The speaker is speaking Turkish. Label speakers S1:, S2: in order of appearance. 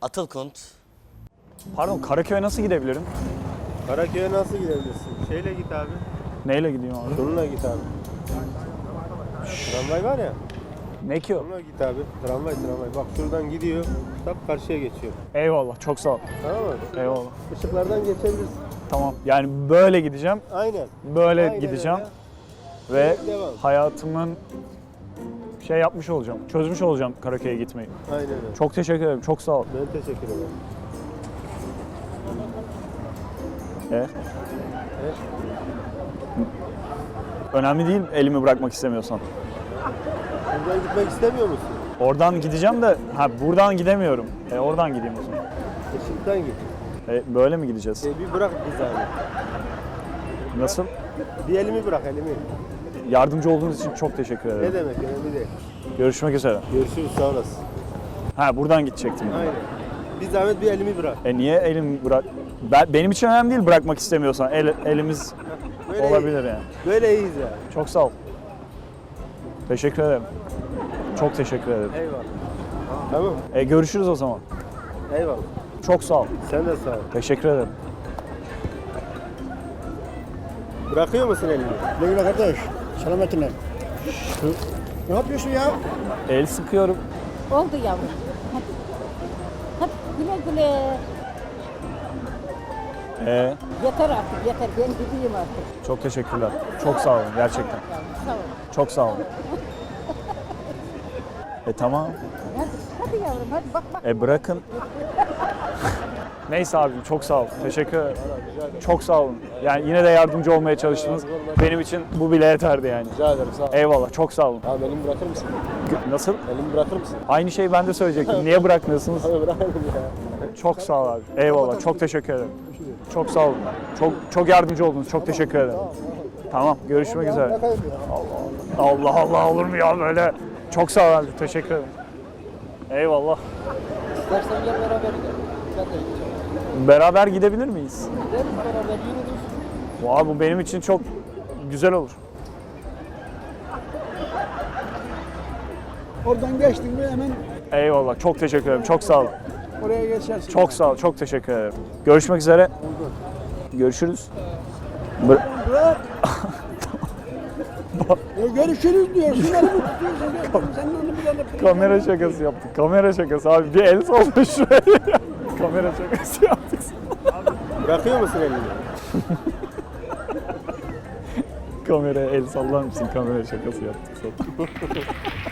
S1: Atılkunt.
S2: Pardon, Karaköy'e nasıl gidebilirim?
S3: Karaköy'e nasıl gidebilirsin? Şeyle git abi.
S2: Neyle gideyim abi?
S3: Şununla git abi. Tramvay var ya.
S2: Ne ki o?
S3: Şununla git abi. Tramvay. Bak şuradan gidiyor. Tak karşıya geçiyor.
S2: Eyvallah, çok sağ ol.
S3: Tamam mı?
S2: Eyvallah.
S3: Işıklardan geçebilirsin.
S2: Tamam, yani böyle gideceğim,
S3: Aynen.
S2: böyle
S3: Aynen
S2: gideceğim
S3: öyle.
S2: ve
S3: Devam.
S2: hayatımın şey yapmış olacağım, çözmüş olacağım Karaköy'e gitmeyi.
S3: Aynen öyle.
S2: Çok teşekkür ederim, çok sağ ol.
S3: Ben teşekkür ederim.
S2: Önemli değil elimi bırakmak istemiyorsan.
S3: Buradan gitmek istemiyor musun?
S2: Oradan gideceğim de, buradan gidemiyorum. Oradan gideyim o zaman.
S3: Işıktan git.
S2: Böyle mi gideceğiz?
S3: Bir bırak bir zahmet.
S2: Nasıl?
S3: Bir elimi bırak elimi.
S2: Yardımcı olduğunuz için çok teşekkür
S3: Ne
S2: ederim.
S3: demek önemli değil.
S2: Görüşmek üzere.
S3: Görüşürüz sağ olasın.
S2: Buradan gidecektim.
S3: Aynen. Bir zahmet bir elimi bırak.
S2: Niye elim bırak? Benim için önemli değil bırakmak istemiyorsan. Elimiz
S3: Böyle
S2: olabilir
S3: iyi.
S2: yani.
S3: Böyle iyiyiz ya.
S2: Çok sağ ol. Teşekkür ederim. Çok teşekkür ederim.
S3: Eyvallah. Tamam.
S2: Görüşürüz o zaman.
S3: Eyvallah.
S2: Çok sağ ol.
S3: Sen de sağ ol.
S2: Teşekkür ederim.
S3: Bırakıyor musun elini?
S4: Güle güle kardeş. Selametinle. Ne yapıyorsun ya?
S2: El sıkıyorum.
S5: Oldu yavrum. Hadi. Hadi güle güle. Yeter artık yeter. Ben gideyim artık.
S2: Çok teşekkürler. Çok sağ olun gerçekten.
S5: Sağ ol.
S2: Çok sağ olun. Tamam.
S5: Hadi yavrum hadi bak.
S2: Bırakın. Neyse abim çok sağ ol. Teşekkür ederim. Çok sağ olun. Yani yine de yardımcı olmaya çalıştınız. Benim için bu bile yeterdi yani.
S3: Rica ederim sağ ol.
S2: Eyvallah. Çok sağ olun.
S3: Abi elimi bırakır mısın?
S2: Nasıl?
S3: Elimi bırakır mısın?
S2: Aynı şeyi ben de söyleyecektim. Niye bırakmıyorsunuz?
S3: Abi bırakırım ya.
S2: Çok sağ ol abi. Eyvallah. Çok teşekkür ederim. Çok sağ olun. Çok yardımcı oldunuz. Çok teşekkür ederim. Tamam. Görüşmek üzere. Allah Allah olur mu ya böyle? Çok sağ ol abi. Teşekkür ederim. Eyvallah.
S4: İstersen gel beraber gidelim. Ben de gideceğim.
S2: Beraber gidebilir miyiz?
S4: Gideriz beraber yürürüz.
S2: Bu benim için çok güzel olur.
S4: Oradan geçtin mi hemen
S2: Eyvallah. Çok teşekkür ederim. Çok sağ olun.
S4: oraya geçersin.
S2: Çok sağ ol. Çok teşekkür ederim. Görüşmek üzere. Görüşürüz.
S4: Bırak. Görüşürüz diyorsun. Elimi tutuyorsun. Sen onu bir tane
S2: Kamera şakası yaptık. Kamera şakası abi. Bir el salla şuraya. Kamera şakası yaptık.
S3: Bırakıyor musun elini?
S2: Kameraya el sallar mısın? Kamera şakası yaptık.